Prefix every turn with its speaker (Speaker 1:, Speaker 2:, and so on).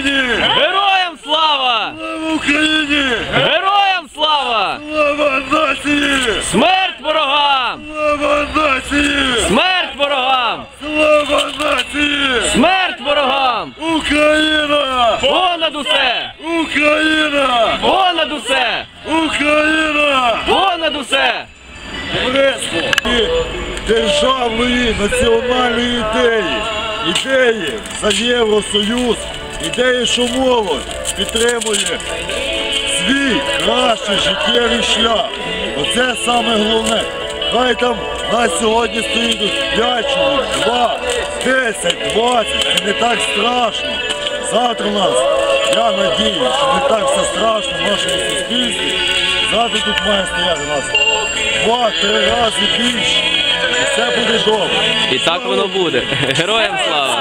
Speaker 1: Україні!
Speaker 2: Героям слава!
Speaker 1: Слава Україні!
Speaker 2: Героям слава!
Speaker 1: Слава нації!
Speaker 2: Смерть ворогам!
Speaker 1: Слава нації!
Speaker 2: Смерть ворогам!
Speaker 1: Слава нації!
Speaker 2: Смерть ворогам!
Speaker 1: Україна!
Speaker 2: Понад усе!
Speaker 1: Україна!
Speaker 2: Понад усе!
Speaker 1: Україна!
Speaker 2: Понад усе!
Speaker 1: Товариство і державної національної ідеї за Євросоюз, ідеї, що молодь підтримує свій кращий життєвий шлях. Оце саме головне. Хай там нас сьогодні стоїть 5 чоловік, 2, 10, 20, це не так страшно. Завтра у нас, я надію, що не так все страшно в нашому суспільстві. Завтра тут має стояти нас 2-3 рази більше. І все буде добре.
Speaker 2: І так воно буде. Героям слава!